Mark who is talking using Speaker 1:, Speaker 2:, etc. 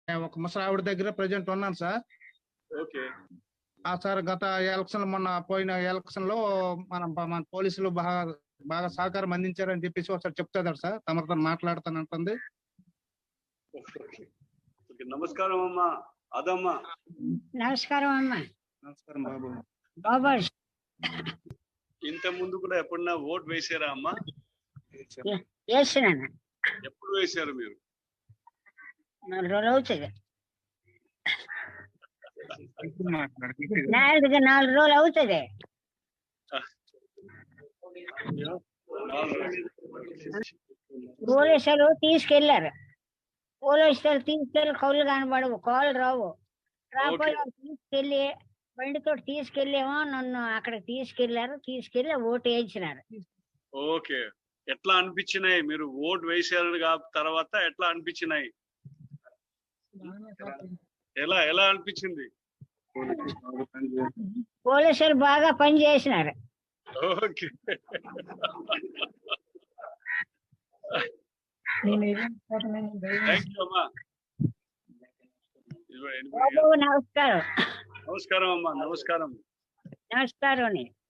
Speaker 1: ఒక ముసలావిడ దగ్గర ప్రజెంట్ ఉన్నాను సార్.
Speaker 2: ఓకే.
Speaker 1: సార్ గత ఎలక్షన్ మొన్న పోయిన ఎలక్షన్ లో మన పోలీసులు బాగా సహకారం అందించారని చెప్పేసి ఒకసారి చెప్తారు సార్. తమతో మాట్లాడతానంటుంది.
Speaker 2: నమస్కారం అమ్మా. అదమ్మా
Speaker 3: నమస్కారం అమ్మా.
Speaker 1: నమస్కారం బాబు.
Speaker 3: బాబా
Speaker 2: ఇంత ముందు కూడా ఎప్పుడన్నా ఓటు వేసారా అమ్మా?
Speaker 3: వేసినాను.
Speaker 2: ఎప్పుడు వేశారు మీరు?
Speaker 3: 4 రోజులు అవుతుంది. 4 రోజులు అవుతుంది. పోలీసులు తీసుకెళ్లారు. కౌలు కనబడవు, కాళ్ళు రావు. రాకపోతే తీసుకెళ్లి బండితో తీసుకెళ్ళేమో నన్ను అక్కడికి తీసుకెళ్లి ఓటు వేయించినారు.
Speaker 2: ఓకే. ఎట్లా అనిపించినాయి మీరు ఓటు వేసారు తర్వాత? ఎట్లా అనిపించినాయి? ఎలా అనిపించింది?
Speaker 3: పోలీసులు బాగా పని చేసినారు.
Speaker 2: ఓకే.
Speaker 3: నమస్కారం.
Speaker 2: నమస్కారం అమ్మా. నమస్కారం.
Speaker 3: నమస్కారం.